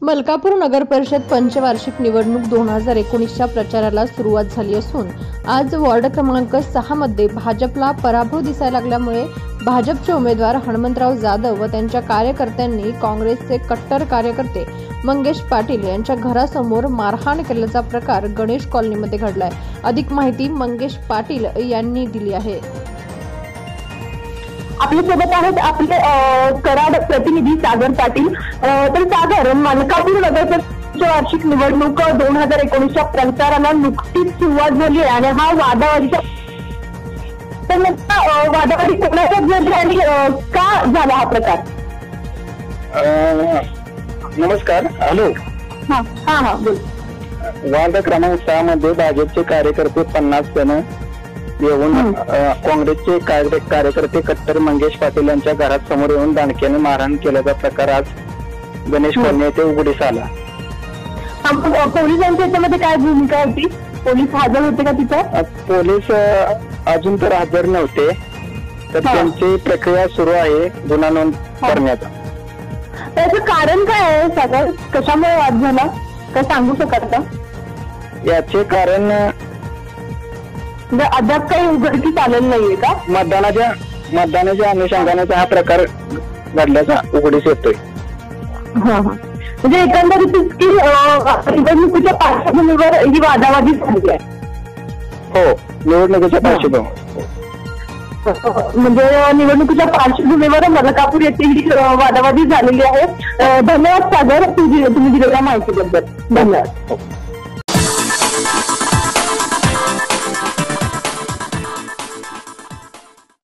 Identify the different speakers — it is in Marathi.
Speaker 1: मलकापूर नगर परिषद पंचवार्षिक निवडणूक 2019च्या प्रचाराला सुरुवात झाली असून आज वॉर्ड क्रमांक 6 मध्ये भाजपला पराभव दिसायला लागल्यामुळे भाजपचे उमेदवार हनुमंतराव जाधव व त्यांच्या कार्यकर्त्यांनी काँग्रेसचे कट्टर कार्यकर्ते मंगेश पाटील यांच्या घरासमोर मारहाण केल्याचा प्रकार गणेश कॉलनीमध्ये घडलाय। अधिक माहिती मंगेश पाटील यांनी दिली आहे।
Speaker 2: आपल्या सोबत आहेत आपले कराड प्रतिनिधी सागर पाटील। तर सागर, मलकापूर नगर वार्षिक निवडणूक 2019च्या प्रचाराला नुकतीच सुरुवात झाली आहे आणि हा वादावादीचा वादावादी कोणाच्याच झाली आणि का झाला हा प्रकार?
Speaker 3: नमस्कार, हॅलो।
Speaker 2: हा बोल।
Speaker 3: वार्ड क्रमांक 6 मध्ये भाजपचे कार्यकर्ते 50 जण येऊन काँग्रेसचे कार्यकर्ते कट्टर मंगेश पाटील यांच्या घरात समोर येऊन दांडक्याने मारहाण केल्याचा प्रकार आज गणेश कॉलनी येथे उघडीस आला।
Speaker 2: पोलिसांच्या याच्यामध्ये काय भूमिका होती? पोलीस हजर होते का तिथं?
Speaker 3: पोलीस अजून तर हजर नव्हते, तर त्यांची प्रक्रिया सुरू आहे गुन्हा नोंद करण्याचा।
Speaker 2: त्याचं कारण काय आहे सागर? कशामुळे वाद झाला, काय सांगू शकाल का?
Speaker 3: याचे कारण
Speaker 2: अद्याप काही उघडकीस आलेलं नाहीये का?
Speaker 3: मतदानाच्या अनुषंगाने हा प्रकार घडल्याचा उघडीस येतोय।
Speaker 2: म्हणजे एकंदरीत की निवडणुकीच्या पार्श्वभूमीवर ही वादावादी झाली आहे।
Speaker 3: हो, निवडणुकीच्या पार्श्वभूमीवर
Speaker 2: म्हणजे निवडणुकीच्या पार्श्वभूमीवर मलकापूर येथे ही वादावादी झालेली आहे। धन्यवाद सागर, तुम्ही दिलेल्या माहितीबद्दल। धन्यवाद।